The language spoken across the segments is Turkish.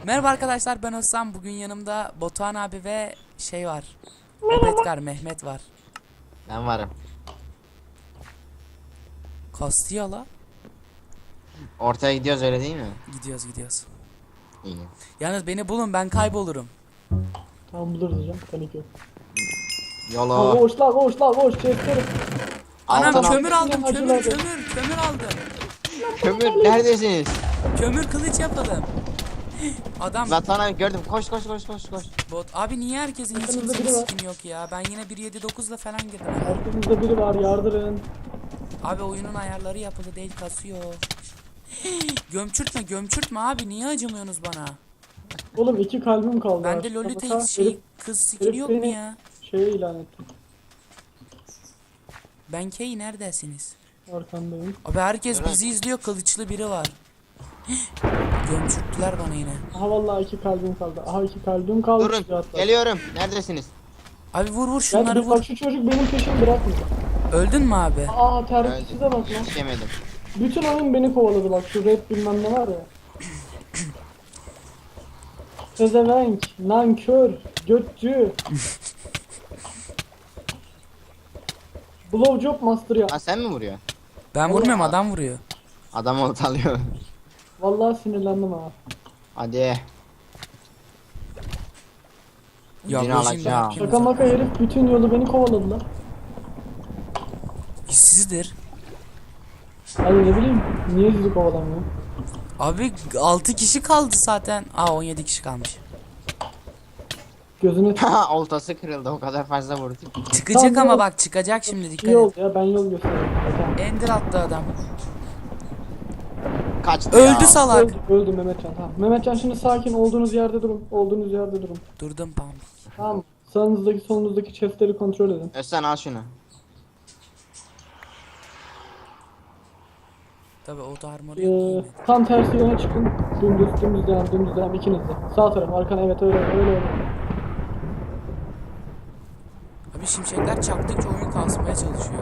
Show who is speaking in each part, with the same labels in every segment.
Speaker 1: Merhaba arkadaşlar, ben Özlem. Bugün yanımda Batuhan abi ve şey var. Opetkar Mehmet var.
Speaker 2: Ben varım.
Speaker 1: Kastiyala.
Speaker 2: Ortaya gidiyoruz öyle değil mi?
Speaker 1: Gidiyoruz.
Speaker 2: İyi.
Speaker 1: Yalnız beni bulun, ben kaybolurum.
Speaker 3: Tamam buluruz hocam. Panik yok. Ha,
Speaker 2: Yolo.
Speaker 3: koş çekerim.
Speaker 1: Anam
Speaker 2: Altın
Speaker 1: kömür
Speaker 3: altın.
Speaker 1: aldım,
Speaker 3: Hacıladı.
Speaker 1: kömür aldım.
Speaker 2: kömür neredesiniz?
Speaker 1: Kömür kılıç yapalım. Adam
Speaker 2: Zaten gördüm. Koş.
Speaker 1: bot. Abi niye herkesin hiç
Speaker 3: Arkanızda
Speaker 1: kimsenin
Speaker 3: biri var.
Speaker 1: skin yok ya? Ben yine 1.7.9'la falan girdim.
Speaker 3: Arkamızda biri var, yardırın.
Speaker 1: Abi oyunun ayarları yapılı değil, kasıyor. Gömçürtme abi, niye acımıyorsunuz bana?
Speaker 3: Oğlum 2 kalbim kaldı.
Speaker 1: Bende
Speaker 3: Aşağı
Speaker 1: Lolita
Speaker 3: baka,
Speaker 1: şey kız skin
Speaker 3: herif
Speaker 1: yok mu
Speaker 3: beni-
Speaker 1: ya?
Speaker 3: Şeye ilan etti.
Speaker 1: Ben Kay, neredesiniz?
Speaker 3: Arkandayım.
Speaker 1: Abi herkes
Speaker 2: Evet.
Speaker 1: bizi izliyor, kılıçlı biri var. Gömçürttüler bana yine.
Speaker 3: Aha vallahi 2 kalbim kaldı. Aha 2 kalbim kaldı.
Speaker 2: Durun.
Speaker 3: Hatta.
Speaker 2: Geliyorum. Neredesiniz?
Speaker 1: Abi vur
Speaker 3: Gel,
Speaker 1: şunları vur.
Speaker 3: bak şu çocuk benim peşimi bırakmıyor.
Speaker 1: Öldün mü abi?
Speaker 3: Aa terbiyesize bak lan.
Speaker 2: Hiç yemedim.
Speaker 3: Bütün oyun beni kovaladı bak şu rap bilmem ne var ya. Pezevenk, nankör, götçü. Blowjob master ya.
Speaker 2: Ha sen mi vuruyorsun?
Speaker 1: Ben vurmuyorum, adam vuruyor.
Speaker 2: Adam ortalıyor.
Speaker 3: Vallahi sinirlendim ha.
Speaker 2: Hadi.
Speaker 1: Ya
Speaker 2: Yine
Speaker 1: bu
Speaker 2: alacağım.
Speaker 1: şimdi
Speaker 3: Şaka maka herif bütün yolu beni kovaladı lan.
Speaker 1: işsizdir.
Speaker 3: Ay ne bileyim niye sizi kovalamıyor?
Speaker 1: Abi 6 kişi kaldı zaten. 17 kişi kalmış.
Speaker 3: Gözüne
Speaker 2: Oltası kırıldı. O kadar fazla vurdu.
Speaker 1: Çıkacak
Speaker 3: Tamam,
Speaker 1: ama bak, çıkacak şimdi, dikkat
Speaker 3: iyi oldu
Speaker 1: et.
Speaker 3: ya ben yol göstereyim. Tamam.
Speaker 1: Ender attı adam.
Speaker 2: Kaçtı
Speaker 1: Öldü
Speaker 2: ya.
Speaker 1: salak.
Speaker 3: Öldü Mehmetcan. Tamam. Mehmetcan şimdi sakin olduğunuz yerde durun. Olduğunuz yerde durun.
Speaker 1: Durdum pam.
Speaker 3: Tamam. Sağınızdaki solunuzdaki chestleri kontrol edin.
Speaker 2: Özsen al şunu.
Speaker 1: Tabi o da armoru yok, giymedi.
Speaker 3: Tam tersi yöne çıkın. Dümdüz devam ikiniz de. Sağ taraf arkana evet öyle.
Speaker 1: Abi şimşekler çaktıkça oyun kasmaya çalışıyor.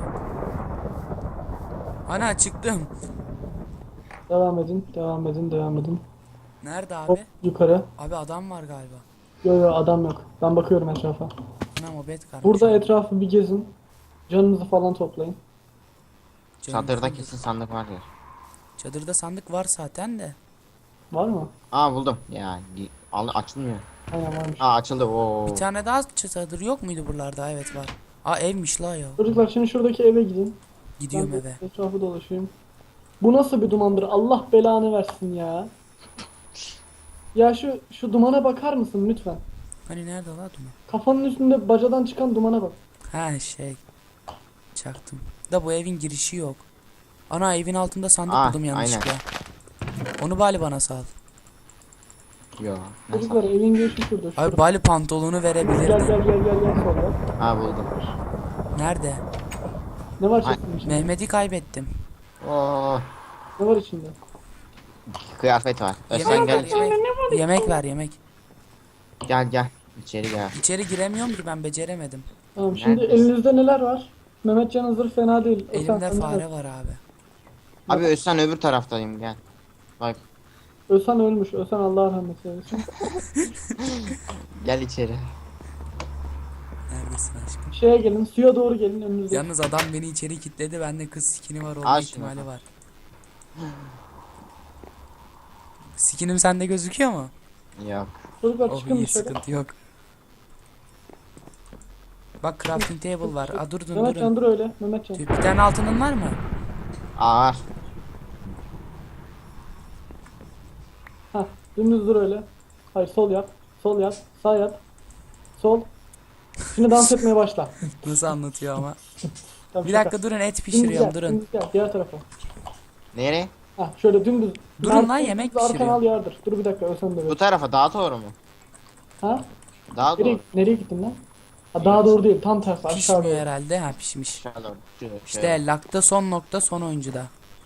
Speaker 1: Ana çıktım.
Speaker 3: Devam edin.
Speaker 1: Nerede
Speaker 3: Hop
Speaker 1: abi?
Speaker 3: yukarı.
Speaker 1: Abi adam var galiba.
Speaker 3: Yo adam yok. Ben bakıyorum etrafa.
Speaker 1: Anam Opetkar.
Speaker 3: Burada etrafı bir gezin. Canınızı falan toplayın.
Speaker 2: Çadırda kesin sandık var ya.
Speaker 1: Çadırda sandık var zaten de.
Speaker 3: Var mı?
Speaker 2: Aa buldum. Ya açılmıyor.
Speaker 3: Aynen varmış.
Speaker 2: Aa açıldı. Oo.
Speaker 1: Bir tane daha çadır yok muydu buralarda? Evet var. Evmiş la ya.
Speaker 3: Çocuklar şimdi şuradaki eve gidin.
Speaker 1: Gidiyorum
Speaker 3: Ben
Speaker 1: eve.
Speaker 3: etrafı dolaşayım. Bu nasıl bir dumandır? Allah belanı versin ya. Ya şu dumana bakar mısın lütfen?
Speaker 1: Hani nerede la duman?
Speaker 3: Kafanın üstünde bacadan çıkan dumana bak.
Speaker 1: Ha şey. Çaktım. Da bu evin girişi yok. Ana evin altında sandık buldum yanlışlıkla. Onu Bali bana sal.
Speaker 2: Yo.
Speaker 3: Çocuklar evin girişi şurada.
Speaker 1: Abi Bali pantolonu
Speaker 3: Gel
Speaker 1: verebilirdin.
Speaker 3: solda.
Speaker 2: Aa buldum.
Speaker 1: Nerede?
Speaker 3: Ne var
Speaker 2: Ay,
Speaker 3: chest'in içinde?
Speaker 1: Mehmet'i kaybettim.
Speaker 2: Oo.
Speaker 3: Ne var içinde?
Speaker 2: Kıyafet var. Özsen
Speaker 1: Yemek
Speaker 2: gel
Speaker 1: ver,
Speaker 2: içeri.
Speaker 1: yemek ver, yemek.
Speaker 2: Gel. İçeri gel.
Speaker 1: İçeri giremiyorum ki, ben beceremedim.
Speaker 3: Tamam şimdi
Speaker 2: Neredesin?
Speaker 3: elinizde neler var? Mehmetcan'ın zırh fena değil. O
Speaker 1: Elimde
Speaker 3: sen-
Speaker 1: fare var abi.
Speaker 2: Abi Özsen öbür taraftayım gel. Bak
Speaker 3: Özhan ölmüş. Özhan Allah rahmet eylesin.
Speaker 2: gel içeri.
Speaker 1: Neredesin aşkım?
Speaker 3: Şeye gelin suya doğru gelin önünüzde.
Speaker 1: Yalnız adam beni içeri kilitledi. Bende kız skini var, olma
Speaker 2: Al şunu.
Speaker 1: ihtimali var. Skinim sende gözüküyor mu?
Speaker 2: Yok.
Speaker 3: Çocuklar
Speaker 1: Oh
Speaker 3: çıkın
Speaker 1: iyi,
Speaker 3: dışarı.
Speaker 1: sıkıntı yok. Bak crafting table var. Durun.
Speaker 3: Mehmetcan dur öyle. Mehmetcan.
Speaker 1: Bir tane altının var mı?
Speaker 2: Ağır.
Speaker 3: Hah dümdüz dur öyle. Hayır sol yap. Sol yap. Sağ yap. Sol. Şimdi dans etmeye başla.
Speaker 1: Nasıl anlatıyor ama.
Speaker 3: Tamam,
Speaker 1: Bir
Speaker 3: şaka.
Speaker 1: dakika durun, et
Speaker 3: Dümdüz
Speaker 1: pişiriyorum,
Speaker 3: gel,
Speaker 1: durun.
Speaker 3: dümdüz gel. Diğer tarafa.
Speaker 2: Nereye?
Speaker 3: Hah şöyle dümdüz.
Speaker 1: Durun
Speaker 3: Dümdüz
Speaker 1: lan, yemek
Speaker 3: arkana
Speaker 1: pişiriyorum.
Speaker 3: al yardır. Dur bir dakika Özhan da
Speaker 2: Bu
Speaker 3: böyle.
Speaker 2: tarafa daha doğru mu?
Speaker 3: Ha?
Speaker 2: Daha
Speaker 3: Nereye,
Speaker 2: doğru.
Speaker 3: nereye gittin lan? Ha, daha doğru değil. Tam tersi. Aşağı
Speaker 1: Pişmiyor
Speaker 3: doğru.
Speaker 1: herhalde. Ha, pişmiş.
Speaker 2: Aşağı doğru. Şöyle.
Speaker 1: İşte lakta son nokta, son oyuncuda.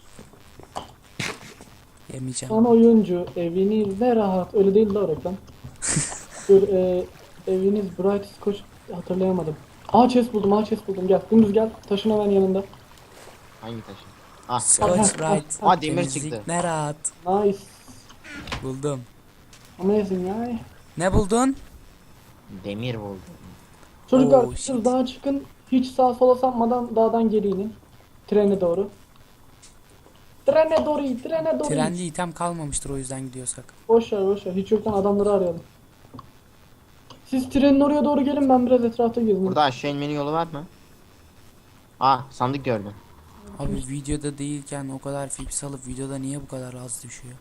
Speaker 1: Yemeyeceğim.
Speaker 3: Son oyuncu evinizde rahat. Öyle değil la o reklam. Dur eviniz Bright Scotch hatırlayamadım. Chest buldum. Gel. Dümdüz gel. Taşın hemen yanında.
Speaker 2: Hangi taşı? Ah.
Speaker 1: Scotch Bright.
Speaker 2: Aa, demir
Speaker 1: Temizlik
Speaker 2: çıktı.
Speaker 1: ne rahat.
Speaker 3: Nice.
Speaker 1: Buldum.
Speaker 3: Amazing ya.
Speaker 1: Ne buldun?
Speaker 2: Demir buldum.
Speaker 3: Çocuklar
Speaker 1: Oh,
Speaker 3: siz
Speaker 1: shit.
Speaker 3: dağa çıkın. Hiç sağa sola sapmadan dağdan geri inin. Trene doğru. Trene doğru, trene doğru.
Speaker 1: Trende item kalmamıştır, o yüzden gidiyorsak.
Speaker 3: Boş ver boş ver. Hiç yoktan adamları arayalım. Siz trenin oraya doğru gelin, ben biraz etrafta gezeyim.
Speaker 2: Burada aşağı inmenin yolu var mı? Sandık gördüm.
Speaker 1: Abi videoda değilken o kadar fips alıp videoda niye bu kadar az düşüyor?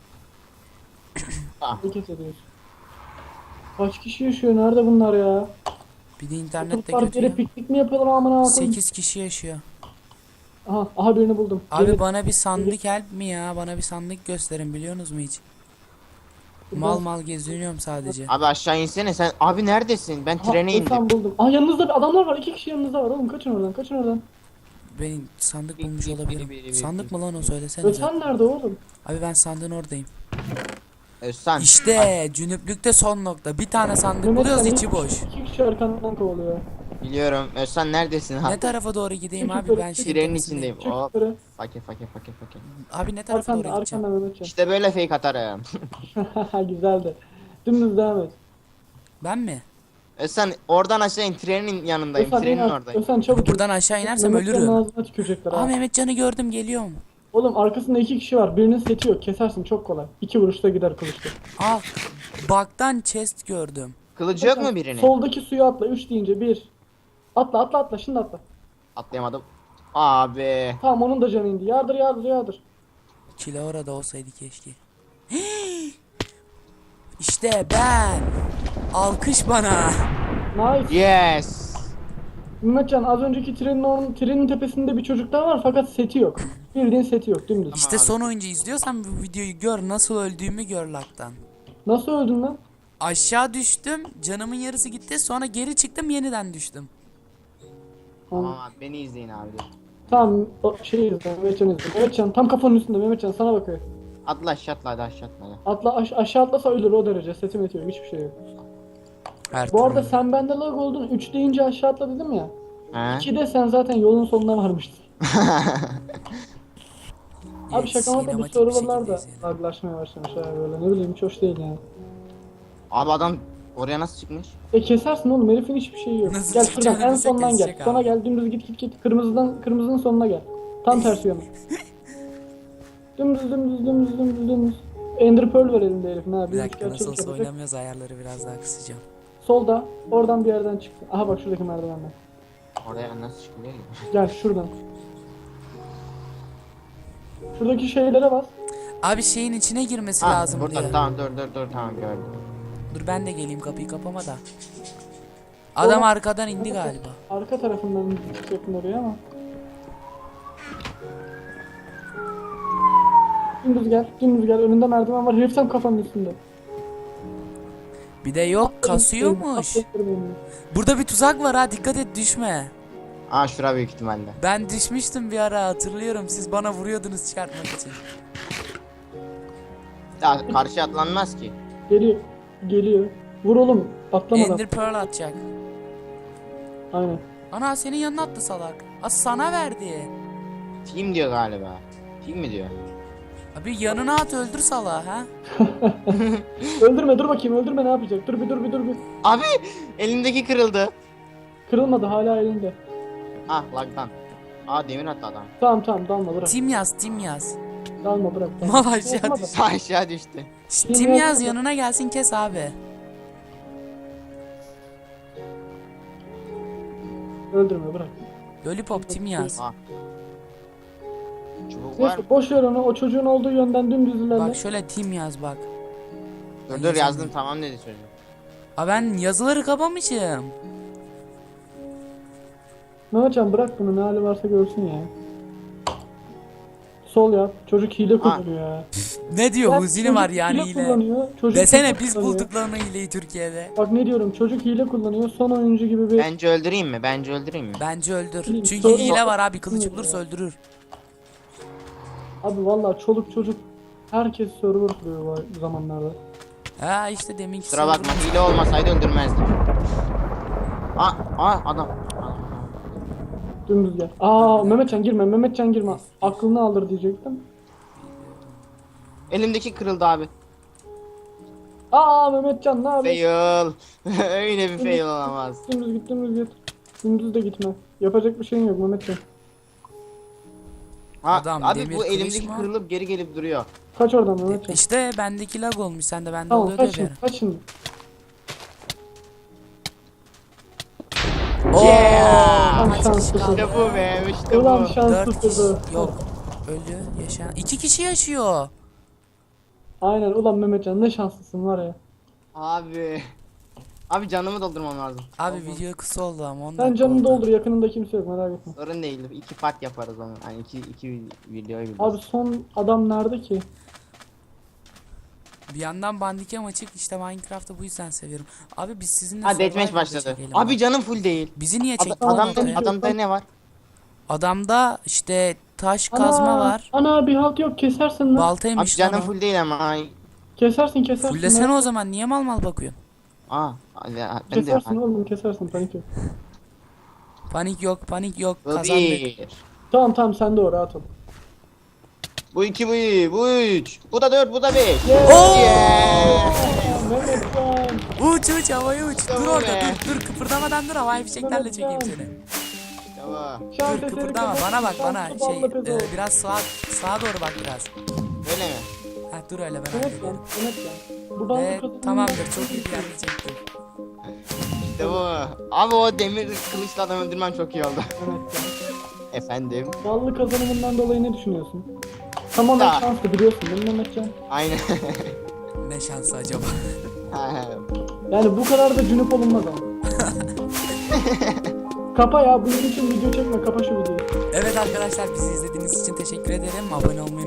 Speaker 3: Hareket ediyoruz. Kaç kişi yaşıyor? Nerede bunlar ya?
Speaker 1: Bir de internet de
Speaker 3: Çocuklar
Speaker 1: kötü
Speaker 3: yere
Speaker 1: ya.
Speaker 3: piknik mi yapıyorlar amına koyayım?
Speaker 1: 8 kişi yaşıyor.
Speaker 3: Aha birini buldum.
Speaker 1: Abi
Speaker 3: Gelin.
Speaker 1: bana bir sandık help mi ya? Bana bir sandık gösterin, biliyorsunuz mu hiç? Mal mal geziniyorum sadece.
Speaker 2: Abi aşağı insene sen. Abi neredesin? Ben trene indim.
Speaker 3: Tam buldum. Yanınızda bir adamlar var. 2 kişi yanınızda var oğlum. Kaçın oradan, kaçın oradan.
Speaker 1: Ben sandık bulmuş
Speaker 2: Biri,
Speaker 1: olabilirim.
Speaker 2: biri, biri,
Speaker 1: Sandık mı lan o,
Speaker 3: Ve
Speaker 1: söylesenize.
Speaker 3: sen nerede oğlum?
Speaker 1: Abi ben sandığın oradayım.
Speaker 2: Özsan.
Speaker 1: İşte cünüplükte son nokta. Bir tane sandık
Speaker 3: Mehmet,
Speaker 1: buluyoruz,
Speaker 3: sen
Speaker 1: içi boş.
Speaker 3: 2 kişi arkandan kovalıyor.
Speaker 2: Biliyorum. Özsan neredesin
Speaker 1: Ne
Speaker 2: abi?
Speaker 1: tarafa doğru gideyim
Speaker 3: Çık
Speaker 1: abi,
Speaker 3: yukarı,
Speaker 1: ben
Speaker 3: çık.
Speaker 1: şey
Speaker 2: Trenin
Speaker 1: tepesindeyim.
Speaker 2: içindeyim.
Speaker 3: Çık
Speaker 2: Hop.
Speaker 3: yukarı.
Speaker 2: Fakir.
Speaker 1: Abi ne tarafa
Speaker 3: Arkanda,
Speaker 1: doğru gideceğim?
Speaker 3: arkanda Mehmetcan.
Speaker 2: İşte böyle fake atarım.
Speaker 3: Güzeldi. Dümdüz devam et.
Speaker 1: Ben mi?
Speaker 2: Özsan oradan aşağı in. Trenin yanındayım.
Speaker 3: Özcan,
Speaker 2: Trenin
Speaker 3: in,
Speaker 2: oradayım.
Speaker 3: Özcan çabuk.
Speaker 1: Buradan aşağı inersem
Speaker 3: Mehmetcan'ın
Speaker 1: ölürüm.
Speaker 3: ağzına tükürecekler
Speaker 1: Aa,
Speaker 3: ha.
Speaker 1: Mehmetcan'ı gördüm, geliyorum.
Speaker 3: Oğlum arkasında 2 kişi var. Birinin seti yok. Kesersin çok kolay. 2 vuruşta gider kılıçta.
Speaker 1: Aa, baktan chest gördüm.
Speaker 2: Kılıcı yok mu birinin?
Speaker 3: Soldaki suya atla. 3 deyince 1. Atla. Şimdi atla.
Speaker 2: Atlayamadım. Abi.
Speaker 3: Tamam, onun da canı indi. Yardır.
Speaker 1: Kilo orada olsaydı keşke. İşte ben. Alkış bana.
Speaker 3: Nice.
Speaker 2: Yes.
Speaker 3: Mehmetcan, az önceki trenin tepesinde bir çocuk daha var fakat seti yok. Bildiğin seti yok, dümdüz.
Speaker 1: İşte son oyuncu izliyorsan bu videoyu gör, nasıl öldüğümü gör laktan.
Speaker 3: Nasıl öldün lan?
Speaker 1: Aşağı düştüm, canımın yarısı gitti, sonra geri çıktım, yeniden düştüm.
Speaker 2: Tamam abi beni izleyin abi.
Speaker 3: Tamam, o şey izle, Mehmetcan izle. Mehmetcan tam kafanın üstünde, Mehmetcan sana bakıyor.
Speaker 2: Atla aşağı atla hadi aşağı atla. hadi.
Speaker 3: Aşağı atlasa ölür o derece, seti meti yok, hiçbir şey yok.
Speaker 1: Her
Speaker 3: Bu arada
Speaker 1: türlü.
Speaker 3: sen bende lag oldun, 3 deyince aşağı atla dedim ya.
Speaker 2: He?
Speaker 3: 2'de sen zaten yolun sonuna varmıştın. Abi
Speaker 1: Evet,
Speaker 3: şaka maka bu
Speaker 1: sinematik bir
Speaker 3: serverlar da
Speaker 1: şekildeyiz yani.
Speaker 3: laglaşmaya başlamış ha böyle, ne bileyim, hiç hoş değil yani.
Speaker 2: Abi adam oraya nasıl çıkmış?
Speaker 3: Kesersin oğlum, herifin hiçbir şeyi yok.
Speaker 1: Nasıl
Speaker 3: Gel
Speaker 1: çıkacağını
Speaker 3: şuradan en
Speaker 1: bilse
Speaker 3: sondan gel.
Speaker 1: kesecek
Speaker 3: Sonra
Speaker 1: abi.
Speaker 3: gel, dümdüz git. Kırmızının sonuna gel. Tam tersi yöne. Dümdüz. Ender Pearl var elinde herifin ha.
Speaker 1: Bir dakika,
Speaker 3: üçgen
Speaker 1: nasıl
Speaker 3: çabuk
Speaker 1: olsa
Speaker 3: yapacak.
Speaker 1: oynamıyoruz, ayarları biraz daha kısacağım.
Speaker 3: Solda, oradan bir yerden çıktı. Aha bak şuradaki merdivenden.
Speaker 2: Oraya nasıl çıkılıyor ki?
Speaker 3: Gel şuradan. Şuradaki şeylere bas.
Speaker 1: Abi şeyin içine girmesi
Speaker 2: Ha
Speaker 1: lazım
Speaker 2: burada
Speaker 1: diye.
Speaker 2: tamam dur tamam gördüm.
Speaker 1: Dur ben de geleyim, kapıyı kapama da. Adam arkadan indi galiba.
Speaker 3: Arka tarafından çıkacaktın oraya ama. Dümdüz gel. Önünde merdiven var. Herif tam kafanın üstünde.
Speaker 1: Bir de yok, kasıyormuş. Burada bir tuzak var ha, dikkat et düşme.
Speaker 2: Aa şura büyük ihtimalle.
Speaker 1: Ben düşmüştüm bir ara, hatırlıyorum, siz bana vuruyordunuz çıkartmak için.
Speaker 2: Ya karşı atlanmaz ki.
Speaker 3: Geliyor. Vur oğlum. Atlamadan.
Speaker 1: Ender Pearl atacak.
Speaker 3: Aynen.
Speaker 1: Ana senin yanına attı salak. Sana verdi.
Speaker 2: Team diyor galiba. Team mi diyor?
Speaker 1: Abi yanına at, öldür salağı ha.
Speaker 3: Öldürme, dur bakayım, öldürme, ne yapacak? Dur bir.
Speaker 2: Abi elindeki kırıldı.
Speaker 3: Kırılmadı, hala elinde.
Speaker 2: Ah lagdan. Aa demir attı adam.
Speaker 3: Tamam, dalma, bırak.
Speaker 1: Tim yaz.
Speaker 3: Dalma, bırak.
Speaker 1: Mal aşağı
Speaker 3: Yapma da.
Speaker 1: düştü.
Speaker 2: Sağ aşağı düştü.
Speaker 1: Şşt, Tim yaz yanına gelsin, kes abi.
Speaker 3: Öldürme, bırak.
Speaker 1: Lollipop Tim yaz.
Speaker 2: Ah. Çubuk var.
Speaker 3: Neyse, boş ver onu, o çocuğun olduğu yönden dümdüz ilerle.
Speaker 1: Bak şöyle Tim yaz bak.
Speaker 2: Dur yazdım tamam dedi çocuk.
Speaker 1: Aa, ben yazıları kapamışım.
Speaker 3: Mehmetcan bırak bunu, ne hali varsa görsün ya. Sol yap, çocuk hile kullanıyor ya.
Speaker 1: Ne diyor,
Speaker 3: Bak,
Speaker 1: huzini
Speaker 3: çocuk
Speaker 1: var yani hile.
Speaker 3: kullanıyor, çocuk
Speaker 1: Desene
Speaker 3: hile
Speaker 1: biz
Speaker 3: kullanıyor.
Speaker 1: bulduk lan o hileyi Türkiye'de.
Speaker 3: Bak ne diyorum, çocuk hile kullanıyor, son oyuncu gibi bir...
Speaker 2: Bence öldüreyim mi?
Speaker 1: Bence öldür.
Speaker 3: Bileyim,
Speaker 1: Çünkü
Speaker 3: sorun
Speaker 1: hile
Speaker 3: yok.
Speaker 1: var abi, kılıç
Speaker 3: Bilmiyorum
Speaker 1: bulursa
Speaker 3: ya.
Speaker 1: öldürür.
Speaker 3: Abi vallahi çoluk çocuk herkes server kuruyor bu zamanlarda.
Speaker 1: Ha işte deminki
Speaker 2: Kusura bakma
Speaker 1: server'ın-
Speaker 2: hile olmasaydı öldürmezdim. Adam.
Speaker 3: Dümdüz gel. Mehmetcan girme. Aklını alır diyecektim.
Speaker 2: Elimdeki kırıldı abi.
Speaker 3: Aa Mehmetcan ne yapıyorsun?
Speaker 2: Fail. Öyle bir fail olamaz.
Speaker 3: Dümdüz git dümdüz git. Dümdüz de gitme. Yapacak bir şeyin yok Mehmetcan.
Speaker 2: Ha,
Speaker 1: Adam
Speaker 2: abi
Speaker 1: demir
Speaker 2: bu
Speaker 1: kılıç
Speaker 2: elimdeki
Speaker 1: mı?
Speaker 2: kırılıp geri gelip duruyor.
Speaker 3: Kaç oradan Mehmetcan.
Speaker 1: İşte bendeki lag olmuş. Sen de bende
Speaker 3: Tamam
Speaker 1: oluyor diye
Speaker 3: kaç
Speaker 1: bir
Speaker 3: şimdi
Speaker 1: ara.
Speaker 3: kaç şimdi.
Speaker 1: Oo,
Speaker 3: Kaç şans
Speaker 1: kaldı.
Speaker 2: İşte bu be, işte
Speaker 3: Ulan
Speaker 2: bu.
Speaker 3: şans
Speaker 1: 4 kişi
Speaker 3: tutturdu.
Speaker 1: yok. Ölü yaşayan. 2 kişi yaşıyor.
Speaker 3: Aynen ulan Mehmetcan ne şanslısın var ya.
Speaker 2: Abi. Abi canımı doldurmam lazım.
Speaker 1: Abi
Speaker 2: Oldu.
Speaker 1: video kısa oldu ama 10
Speaker 3: Sen
Speaker 1: dakika
Speaker 3: canını
Speaker 1: oldu.
Speaker 3: doldur yakınında kimse yok merak etme.
Speaker 2: Sorun değil. 2 part yaparız onu. Yani iki videoyu
Speaker 3: Abi
Speaker 2: biliriz.
Speaker 3: son adam nerede ki?
Speaker 1: Bir yandan Bandicam açık, işte Minecraft'ı bu yüzden seviyorum. Abi biz sizinle
Speaker 2: Ha deathmatch
Speaker 1: Survivor'da
Speaker 2: başladı.
Speaker 1: çekelim
Speaker 2: Abi
Speaker 1: bak.
Speaker 2: canım full değil.
Speaker 1: Bizi niye çektin
Speaker 2: Adamda,
Speaker 1: ortaya?
Speaker 2: adamda ne var?
Speaker 1: Adamda işte taş kazma var.
Speaker 3: Ana bir halt yok kesersin lan.
Speaker 2: Abi
Speaker 1: Baltaymış lan
Speaker 2: canım
Speaker 1: o.
Speaker 2: full değil ama. Ay.
Speaker 3: Kesersin
Speaker 1: Fullesene
Speaker 3: lan.
Speaker 1: o zaman, niye mal mal bakıyorsun?
Speaker 2: Aa. Ben de
Speaker 3: Kesersin oğlum kesersin panik yok.
Speaker 1: Panik yok, panik yok,
Speaker 2: Bu
Speaker 1: kazandık.
Speaker 2: bir.
Speaker 3: Tamam sen de o rahat ol.
Speaker 2: Bu 2, bu 3. Bu da 4, bu da 5.
Speaker 3: Yeah.
Speaker 2: Yeah.
Speaker 3: Mehmetcan.
Speaker 1: Uç havaya uç. Dur
Speaker 2: Tamam
Speaker 1: orada,
Speaker 2: be.
Speaker 1: dur kıpırdamadan dur, havai fişeklerle çekeyim seni.
Speaker 2: Tamam.
Speaker 3: Şans
Speaker 1: Dur
Speaker 3: eseri
Speaker 1: kıpırdama,
Speaker 3: kapat,
Speaker 1: bana bak,
Speaker 3: şanslı
Speaker 1: bana
Speaker 3: ballı pezo.
Speaker 1: biraz sağa doğru bak biraz.
Speaker 2: Öyle mi?
Speaker 1: Ha dur öyle, ben
Speaker 3: Mehmetcan,
Speaker 1: hallederim.
Speaker 3: Mehmetcan. Bu ballı
Speaker 1: Ve
Speaker 3: kadının-
Speaker 1: tamamdır, çok iyi bir yerde çektim.
Speaker 2: İşte bu. Abi o demir kılıçla adam öldürmem çok iyi oldu.
Speaker 3: Mehmetcan.
Speaker 2: Efendim.
Speaker 3: Ballı kazanımından dolayı ne düşünüyorsun? Tamamen
Speaker 2: Da.
Speaker 3: şanslı biliyorsun değil mi Mehmetcan?
Speaker 2: Aynen.
Speaker 1: Ne şansı acaba?
Speaker 3: Yani bu kadar da cünüp olunmaz ama. Kapa ya bunun için video çekme kapa şu videoyu.
Speaker 1: Evet arkadaşlar, bizi izlediğiniz için teşekkür ederim. Abone olmayı